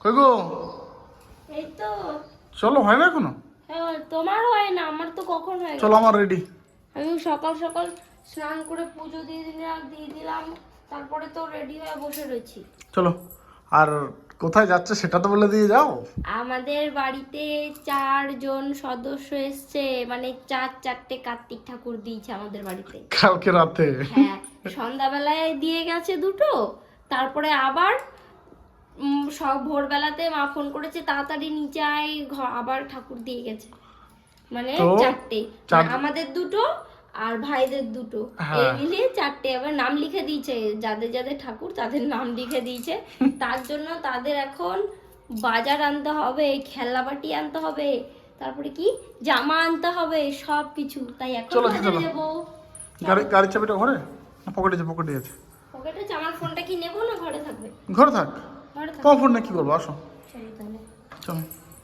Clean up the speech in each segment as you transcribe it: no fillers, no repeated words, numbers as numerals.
কই গো? এই তো। চলো, হয় না এখনো? হ্যাঁ, তোমার হয় না, আমার তো কখন হয়ে চলো, গেছে। আমার রেডি। আমি সকাল সকাল স্নান করে পুজো দিয়ে দিলাম, তারপরে তো রেডি হয়ে বসে রয়েছি। চলো, আর কোথায় যাচ্ছে সেটা তো বলে দিয়ে যাও। আমাদের বাড়িতে 4 জন সদস্য এসছে, মানে চারটে কার্তিক ঠাকুর দিয়েছে আমাদের বাড়িতে। কালকে রাতে? হ্যাঁ, সন্ধ্যাবেলায় দিয়ে গেছে দুটো, তারপরে আবার সব ভোরবেলাতে মা ফোন করেছে তাড়াতাড়ি নিচে আয়, আবার ঠাকুর দিয়ে গেছে। মানে তো চারটে, মানে আমাদের দুটো আর ভাইদের দুটো, এই মিলিয়ে চারটে। আবার নাম লিখে দিয়েছে, যাদের যাদের ঠাকুর তাদের নাম লিখে দিয়েছে। তার জন্য তাদের এখন বাজার আনতে হবে, খেলনাবাটি আনতে হবে, তারপরে কি জামা আনতে হবে, সব কিছু। তাই এখন চলো, বাজারে চলো। যাবো। গাড়ির চাবিটা ঘরে না পকেটে আছে? পকেটে আছে। পকেটে আছে। আমার ফোনটা কি নেবো না ঘরে থাকবে? ঘরে থাক। ঘরে থাকবে। তোমার ফোন না কি করবো, আসো। চলো তাহলে। চলো।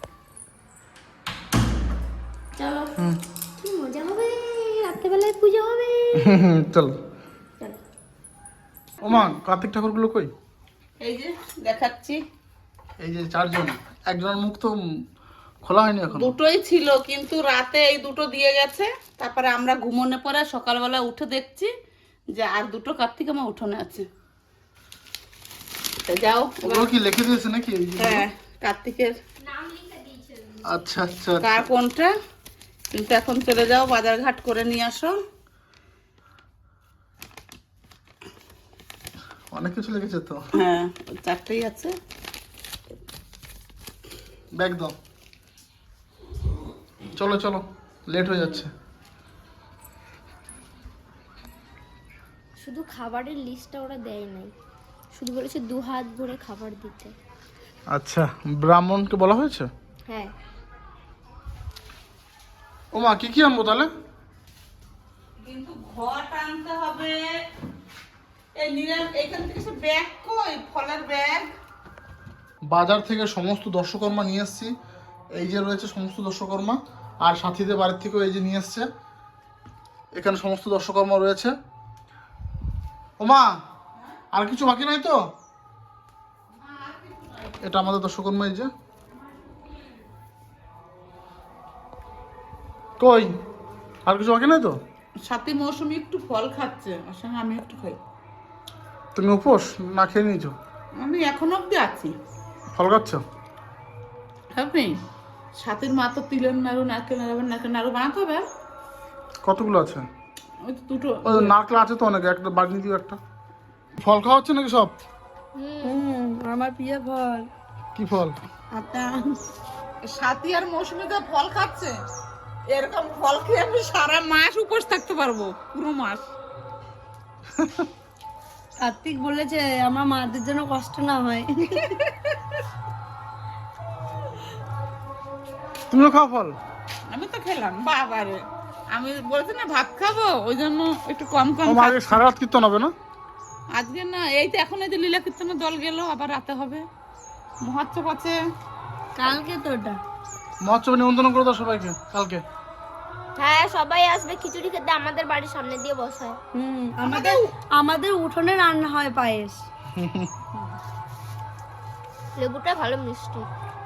চলো। কি মজা হবে, রাত্রেবেলায় পুজো হবে। চলো। চলো। ও মা, কার্তিক ঠাকুরগুলো কই? এই যে দেখাচ্ছি। এই যে 4 জন, একজনের মুখ তো খোলা হয়নি এখন। দুটোই ছিল, কিন্তু রাতে এই দুটো দিয়ে গেছে। তারপরে আমরা ঘুমোনে পরে সকালবেলা উঠে দেখছি যে আর দুটো কার্তিক আমার উঠোনে আছে। তা যাও। ওগুলো কি লিখে দিয়েছে নাকি? এই যে হ্যাঁ, কার্তিকের নাম লিখে দিয়েছে। আচ্ছা আচ্ছা। কার কোনটা, কিন্তু এখন চলে যাও, বাজার ঘাট করে নিয়ে আসো। অনেক কিছু লিখেছে তো। হ্যাঁ, ওই চারটেই আছে। ব্যাগ দাও। চলো চলো, লেট হয়ে যাচ্ছে। শুধু খাবারের লিস্টটা ওরা দেয় নাই, শুধু বলেছে 2 হাত ভরে খাবার দিতে। আচ্ছা, ব্রাহ্মণকে বলা হয়েছে? হ্যাঁ। ও মা, কি কি আনবো তাহলে? কিন্তু ঘট আনতে হবে। এই নিলাম এখান থেকে সব ব্যাগ, কই ফলের ব্যাগ? বাজার থেকে সমস্ত দর্শকর্মা নিয়ে এসেছি। এই যে রয়েছে সমস্ত দর্শকর্মা, আর সাথীদের বাড়ির থেকেও এই যে নিয়ে এসছে। এখানে সমস্ত দর্শকর্মা রয়েছে। ও মা, আর কিছু বাকি নাই তো? এটা আমাদের দর্শকর্মা, এই যে। কই, আর কিছু বাকি নাই তো? সাথে মৌসুমি একটু ফল খাচ্ছে, ওর সঙ্গে আমি একটু খাই। তুমি উপোস না খেয়ে নিয়েছো? আমি এখন অব্দি আছি। ফল খাচ্ছ? আপনি সাথের মা তো তিলের নাড়ু, নারকেল নাড়ু বানাতে হবে। কতগুলো আছে? ওই তো দুটো। ওই নারকেল আছে তো অনেক, একটা বাগনি দিও একটা। ফল খাওয়া হচ্ছে নাকি সব? আমার প্রিয় ফল। কি ফল? আচ্ছা, সাথী আর মৌসুমি তো ফল খাচ্ছে। এরকম ফল খেয়ে আমি সারা মাস উপোস থাকতে পারবো, পুরো মাস। কার্তিক বলেছে আমার মাদের জন্য কষ্ট না হয়। তুমিও খাও ফল? আমি তো খেলাম বাবারে, আমি বলছি না ভাত খাবো, ওই জন্য একটু কম কম ও মা, আগে সারা রাত কীর্তন হবে না? আজকে না, এই তো এখন এই যে লীলা কীর্তনের দল গেল, আবার রাতে হবে মহোৎসব আছে। কালকে তো ওটা। মহোৎসবে নিমন্ত্রণ করে দাও সবাইকে কালকে। হ্যাঁ, সবাই আসবে খিচুড়ি খেতে, আমাদের বাড়ির সামনে দিয়ে বসায়। আমাদের আমাদের উঠোনে রান্না হয় পায়েস। লেবুটা ভালো মিষ্টি।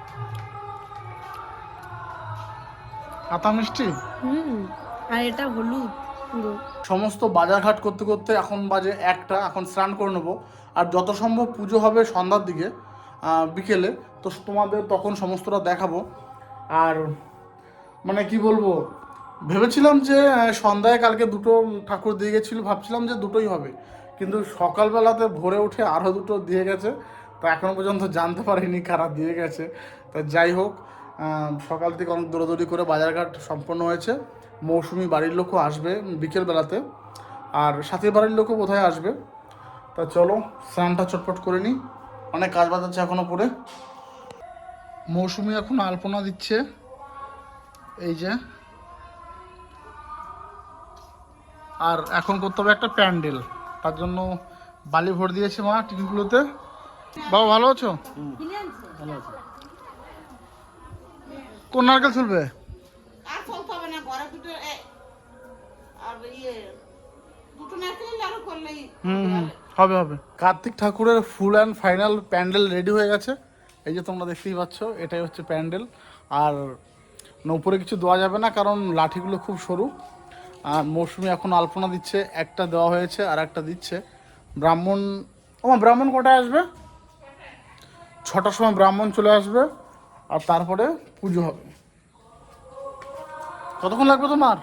আতা মিষ্টি। আর এটা হলুদ পুরো। সমস্ত বাজারঘাট করতে করতে এখন বাজে 1টা। এখন স্নান করে নেবো, আর যত সম্ভব পুজো হবে সন্ধ্যার দিকে, বিকেলে। তো তোমাদের তখন সমস্তটা দেখাবো। আর মানে কি বলবো, ভেবেছিলাম যে সন্ধ্যায় কালকে দুটো ঠাকুর দিয়ে গেছিলো, ভাবছিলাম যে দুটোই হবে, কিন্তু সকালবেলাতে ভোরে উঠে আরও দুটো দিয়ে গেছে। তো এখনও পর্যন্ত জানতে পারিনি কারা দিয়ে গেছে। তো যাই হোক, সকাল থেকে অনেক দৌড়াদৌড়ি করে বাজারঘাট সম্পন্ন হয়েছে। মৌসুমি বাড়ির লোকও আসবে বিকেলবেলাতে, আর সাথীর বাড়ির লোকও বোধহয় আসবে। তা চলো, স্নানটা চটপট করে নিই, অনেক কাজ বাজ আছে এখনও পরে। মৌসুমি এখন আলপনা দিচ্ছে, এই যে। আর এখন করতে হবে একটা প্যান্ডেল, তার জন্য বালি ভর দিয়েছে মা টিনগুলোতে। বাবা ভালো আছো? কোন নারকেল চলবে? আর চলতে হবে না, ঘরে দুটো আর দুটো নারকেল লাড়ু করলেই হবে হবে। কার্তিক ঠাকুরের ফুল অ্যান্ড ফাইনাল প্যান্ডেল রেডি হয়ে গেছে। এই যে তোমরা দেখতেই পাচ্ছ, এটাই হচ্ছে প্যান্ডেল। আর উপরে কিছু দেওয়া যাবে না, কারণ লাঠিগুলো খুব সরু। আর মৌসুমি এখন আলপনা দিচ্ছে, একটা দেওয়া হয়েছে আর একটা দিচ্ছে। ব্রাহ্মণ, ব্রাহ্মণ কটায় আসবে? 6টার সময় ব্রাহ্মণ চলে আসবে, আর তারপরে পুজো হবে। কতক্ষণ লাগবে তোমার?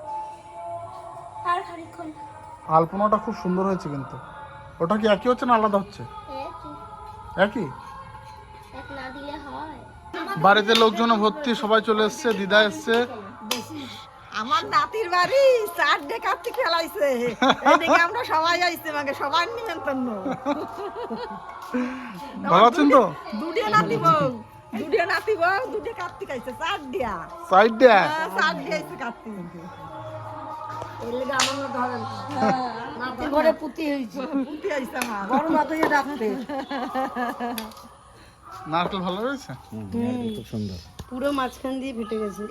আর খানিকক্ষণ। আলপনাটা খুব সুন্দর হয়েছে, কিন্তু ওটা কি একই হচ্ছে না আলাদা হচ্ছে? একই। এক না দিলে হয়? বাড়িতে লোকজন ভর্তি, সবাই চলে এসছে, দিদা এসছে। আমার নাতির বাড়ি 4 কার্তিক খেলাইছে, এদিকে আমরা সবাই আইছে, মানে সবার নিমন্ত্রণ। ভালো আছেন তো? দুটো নাতি বউ, দুটো কার্তিক আইছে, 4 দিয়া। সাইড দে। 4 দিয়া আইছে কার্তিক। এর লাগি আমার ধরেন নাতির ঘরে পুতি হইছে, পুতি আইছে আমার। বড় মাতইয়ে ডাকতে। নারকেল ভালো হয়েছে? খুব সুন্দর। পুরো মাঝখান দিয়ে ফেটে গেছে।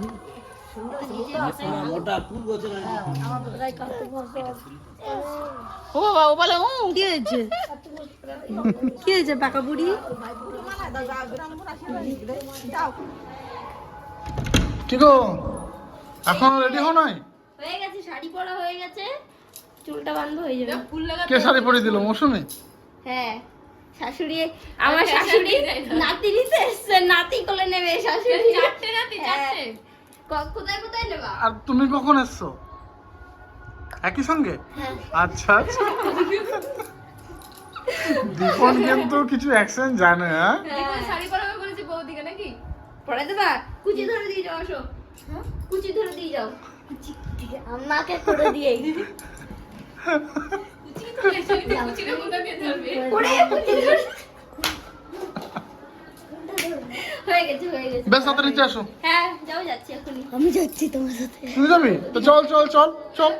ও বাবা, ও বলে কি হয়েছে? কি হয়েছে পাকা বুড়ি? কি গো, এখন রেডি হও নাই? হয়ে গেছে, শাড়ি পরা হয়ে গেছে, চুলটা বাঁধবো হয়ে যাবে। কে শাড়ি পরে দিল? মৌসুমি? হ্যাঁ, শাশুড়ি, আমার শাশুড়ি নাতি নিতে এসছে, নাতি কোলে নেবে শাশুড়ি। চারটে নাতি, চারটে। কোথায় কোথায় নেবা? আর তুমি কখন এসছো? একই সঙ্গে? আচ্ছা আচ্ছা। দীপন কিন্তু কিছু অ্যাকশন জানে। হ্যাঁ, শাড়ি পরাবে বলেছি বৌদিকে নাকি? পরে দেবা? কুচি ধরে দিয়ে যাও, আসো। কুচি ধরে দিয়ে যাও। আমাকে করে দিয়ে হয়ে গেছে, হয়ে গেছে। বেশ, সাথে নিচে আসো। হ্যাঁ, যাও, যাচ্ছি এখনই। আমি যাচ্ছি তোমার সাথে। তুমি যাবি তো? চল চল চল চল।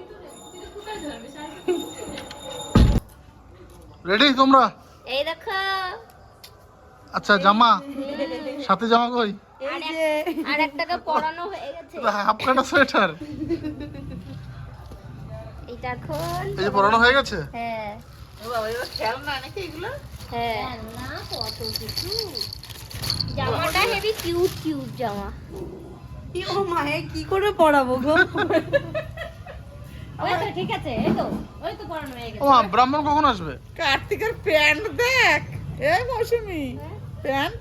রেডি তোমরা? এই দেখো, আচ্ছা, জামা সাথে, জামা কই? আর একটাকে পরানো হয়ে গেছে। হাফ কাটা সোয়েটার, এটা এখন এই যে পরানো হয়ে গেছে। হ্যাঁ ও বাবা, এবার খেলনা নাকি এগুলো? হ্যাঁ, না কত কিছু। জামাটা হেভি কিউট কিউট জামা। ও মায়ে কি করে পড়াবো গো? ওই তো ঠিক আছে, এই তো ওই তো পরানো হয়ে গেছে। ব্রাহ্মণ কখন আসবে? কার্তিকের প্যান্ট দেখ, এই মৌসুমি প্যান্ট।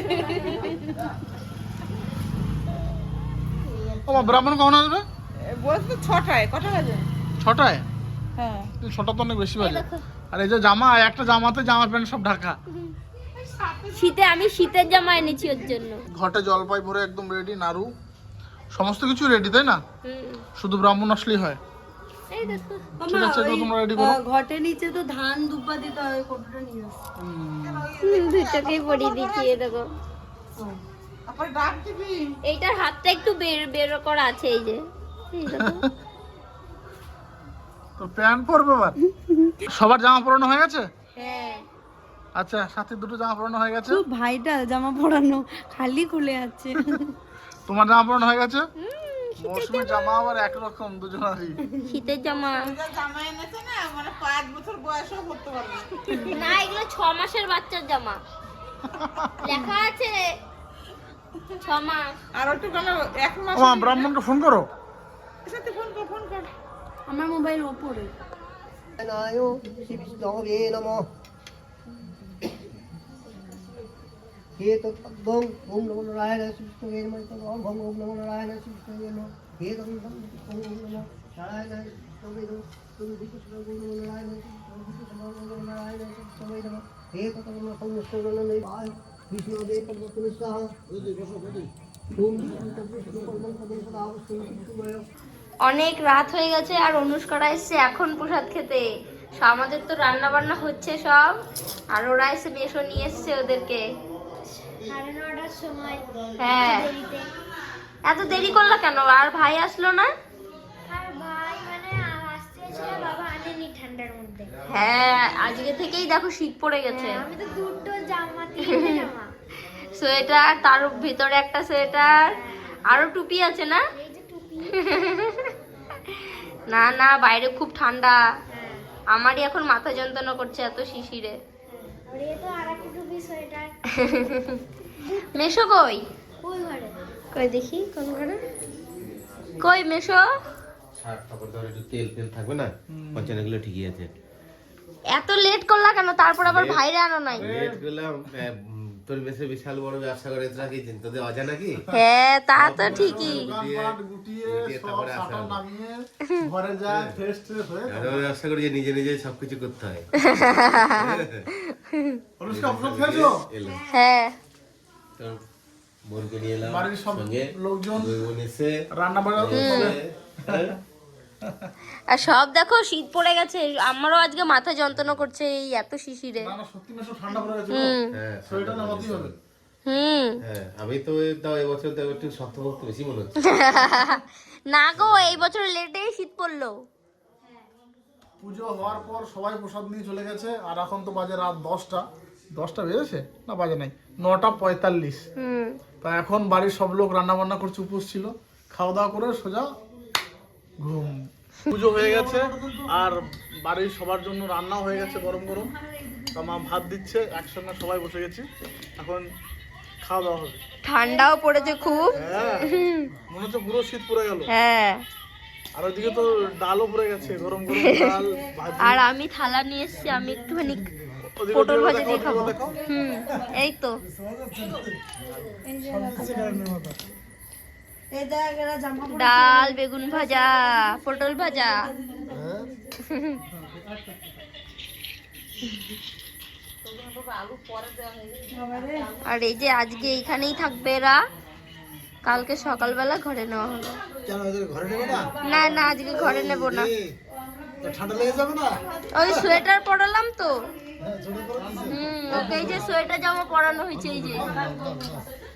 ব্রাহ্মণ কখন আসবে? বলছে 6টায়। কটা বাজে? 6টায়? হ্যাঁ। 6টা তো অনেক বেশি বাজে। আর এই যে জামা, একটা জামাতে জামা প্যান্ট সব ঢাকা। শীতে আমি শীতের জামা এনেছি ওর জন্য। ঘটে জলপাই ভরে একদম রেডি, নাড়ু সমস্ত কিছু রেডি, তাই না? শুধু ব্রাহ্মণ আসলেই হয়। এই দেখো, ঠিক আছে, এগুলো তোমরা রেডি করো। ঘটের নিচে তো ধান দুব্বা দিতে হয়, কতটা নিয়ে আসছে। দুটোকেই পরিয়ে দিচ্ছি, এই দেখো। আবার ডাক দিবি। এইটার হাতটা একটু বের করা আছে, এই যে, এই দেখো। তো প্যান্ট পরবে এবার। সবার জামা পরানো হয়ে গেছে? হ্যাঁ, আচ্ছা, সাথে দুটো জামা পরানো হয়ে গেছে। তো ভাইটা জামা পরানো খালি খুলে আছে। তোমার জামা পরানো হয়ে গেছে। মৌসুমীর জামা আবার একরকম দুজনেরই। শীতের জামা জামা এনেছে না, মানে 5 বছর বয়সেও পড়তে পারবে। না, এগুলো 6 মাসের বাচ্চার জামা, লেখা আছে 6 মাস। আর একটু কেন 1 মাস। ব্রাহ্মণকে ফোন করো। সাথে ফোন কর। আমার মোবাইল ওপরে। নায় শ্রী বিষ্ণবে নমঃ। হে তদ্বং ওম নমো নারায়ণায় শ্রী বিষ্ণবে নমঃ। ওম নমো নারায়ণায় শ্রী বিষ্ণবে নমঃ। হে তদ্বং ওম নমো নারায়ণায় শ্রী বিষ্ণবে নমঃ। তুমি বিষ্ণু ওম নমো নারায়ণায় শ্রী বিষ্ণবে নারায়ণায় শ্রী বিষ্ণবে নমঃ। হে তদ্বং সংস্করণে বায় বিষ্ণবে পদ্মপুরুষ সাহ। ওম বিষ্ণু পদ্মং পদ্মং সদা অবস্থিতং। অনেক রাত হয়ে গেছে আর অনুষ্কারা এসছে এখন প্রসাদ খেতে। আমাদের তো রান্না বান্না হচ্ছে সব, আর ওরা এসে মেশো নিয়ে এসছে ওদেরকে। 9:30টার সময়। হ্যাঁ, এত দেরি করলো কেন? আর ভাই আসলো না? আর ভাই মানে আসতে ছিল, বাবা আনেনি ঠান্ডার মধ্যে। হ্যাঁ, আজকে থেকেই দেখো শীত পড়ে গেছে। আমি তো দুটো জামা, তিনটে জামা। সোয়েটার, তার ভিতরে একটা সোয়েটার, আরো টুপি আছে না? এই যে টুপি। না না, বাইরে খুব ঠান্ডা। আমারই এখন মাথা যন্ত্রণা করছে এত শিশিরে। আর এই তো আরেকটা টুপি তুমি সোয়েটার মেশো কই? ওই ঘরে কই দেখি কোন ঘরে? কই মেশো? শার্ট কাপড় ধরে একটু তেল তেল থাকবে না, পঞ্চান্ন কিলো ঠিকই আছে। এত লেট করলা কেন? তারপর আবার ভাইরে আনো নাই? লেট করলাম, তোর বেশি বিশাল বড় ব্যবসা করে রাখি, তোদের অজানা কি? হ্যাঁ তা তো ঠিকই। দোকানপাট গুটিয়ে গুটিয়ে সব তারপরে আসা শাটার হবে। নামিয়ে ঘরে যায় ফ্রেশ ট্রেশ হয়ে এত বড় ব্যবসা করে যে নিজে নিজে সবকিছু করতে হয়। অনুষ্কা ওষুধ খেয়েছো? এলাম। হ্যাঁ তো বোনকে নিয়ে এলাম, বাড়ির সব সঙ্গে লোকজন দুই বোন এসে রান্না বান্না হ্যাঁ, আর সব দেখো শীত পড়ে গেছে, আমারও আজকে মাথা যন্ত্রণা করছে এই এত শিশিরে। না না সত্যি মেশো ঠান্ডা পড়ে গেছে গো। হ্যাঁ, সোয়েটার নামাতেই হবে। হুম আমি তো তাও এবছর তো একটু শক্তপোক্ত বেশি মনে হচ্ছে। না গো এই বছর লেটেই শীত পড়লো। পুজো হওয়ার পর সবাই প্রসাদ নিয়ে চলে গেছে আর এখন তো বাজে রাত 10টা বেজেছে না, বাজে নাই 9:45। হুম তা এখন বাড়ির সব লোক রান্না বান্না করছে, উপোস ছিল, খাওয়া দাওয়া করে সোজা ঘুম। পুজো হয়ে গেছে আর বাড়ির সবার জন্য রান্নাও হয়ে গেছে গরম গরম। তা মা ভাত দিচ্ছে, একসঙ্গে সবাই বসে গেছি, এখন খাওয়া দাওয়া হবে। ঠান্ডাও পড়েছে খুব। হ্যাঁ মনে হচ্ছে পুরো শীত পড়ে গেল। হ্যাঁ আর ওইদিকে তো ডালও পড়ে গেছে, গরম গরম ডাল ভাজি। আর আমি থালা নিয়ে এসেছি, আমি একটুখানি ওদিকে পটল ওদিকে ভাজি দেখাও, দিয়ে খাবো। ওদিকে দেখাও। হুম এই তো এই দেখ এরা জামা পরে ডাল, বেগুন ভাজা, পটল ভাজা। আর এই যে আজকে এইখানেই থাকবে এরা, কালকে সকালবেলা ঘরে নেওয়া হবে। কেন ওদের ঘরে নেবে না? না না আজকে ঘরে নেব না, তো ঠান্ডা লেগে যাবে না? ওই সোয়েটার পরালাম তো। হ্যাঁ ছোট করে দিছে। ওকে এই যে সোয়েটার জামা পরানো হয়েছে এই যে।